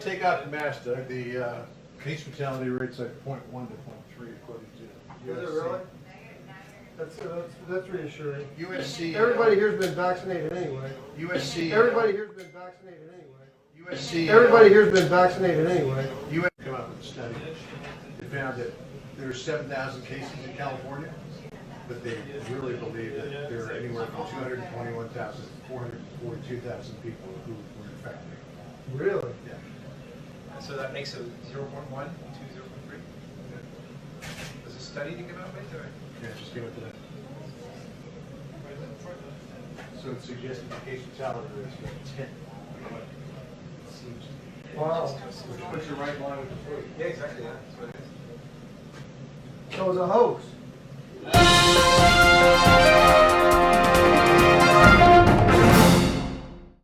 take out the mass, Doug, the case fatality rate's like 0.1 to 0.3 according to Is it USC. really? That's reassuring. USC. Everybody here's been vaccinated anyway. USC. Everybody here's been vaccinated anyway. USC. Everybody here's been vaccinated anyway. USC came up with a study. They found that there are 7,000 cases in California, but they really believe that there are anywhere from 221,000 to 442,000 people who were infected. Really? Yeah. So that makes it 0.1 to 0.3? Does a study to come out with, or? Yeah, just came up with that. So it suggested the case fatality rate is about 10. What it seems to be. Wow. Which puts you right in line with the flu. Yeah, exactly, yeah, that's what it is. So it was a hoax.